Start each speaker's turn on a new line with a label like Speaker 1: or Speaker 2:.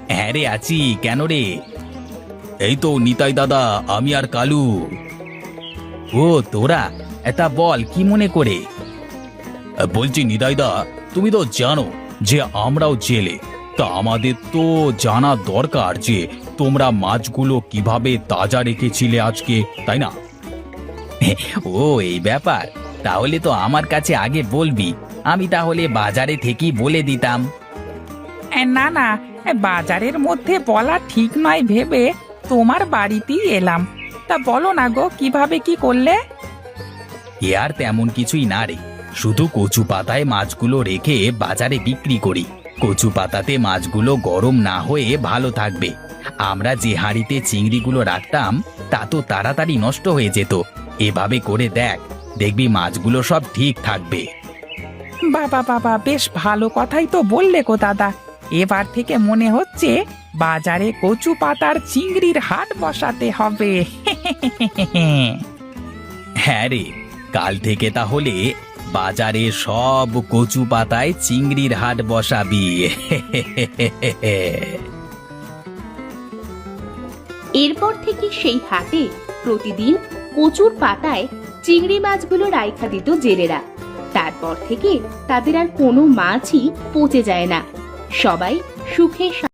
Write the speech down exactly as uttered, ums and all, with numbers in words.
Speaker 1: হ্যাঁ রে, আছি। কেন রে? এই তো নিতাই দাদা, আমি আর কালু। ও তোরা, এটা বল কি মনে করে? বলছি নিতাইদা, তুমি তো জানো যে আমরাও জেলে। তা আমাদের তো জানা দরকার যে তোমরা মাছগুলো কিভাবে তাজা রেখেছিলে আজকে, তাই না? ও এই ব্যাপার, তাহলে তো আমার কাছে আগে বলবি, আমি তাহলে বাজারে থেকেই বলে দিতাম।
Speaker 2: এ, না না, এ, বাজারের মধ্যে বলা ঠিক নয় ভেবে তোমার বাড়িতেই এলাম। তা বলো না গো, কিভাবে কি করলে?
Speaker 1: এ আর তেমন কিছুই না রে, শুধু কচু পাতায় মাছগুলো রেখে বাজারে বিক্রি করি। কচু পাতাতে মাছগুলো গরম না হয়ে ভালো থাকবে। আমরা যে হাঁড়িতে চিংড়িগুলো রাখতাম তা তো তাড়াতাড়ি নষ্ট হয়ে যেত। এভাবে করে দেখ, দেখবি মাছগুলো সব ঠিক থাকবে।
Speaker 2: বাবা বাবা, বেশ ভালো কথাই তো বললে গো দাদা। এবার থেকে মনে হচ্ছে বাজারে কচু পাতার চিংড়ির হাট বসাতে হবে।
Speaker 1: হ্যাঁ রে, কাল থেকে তাহলে বাজারে সব কচু পাতায় চিংড়ির হাট বসাবি।
Speaker 3: এরপর থেকে সেই হাটে প্রতিদিন কচুর পাতায় চিংড়ি মাছগুলো রাইখা দিত জেলেরা। তারপর থেকে তাদের আর কোনো মাছই পচে যায় না। সবাই সুখে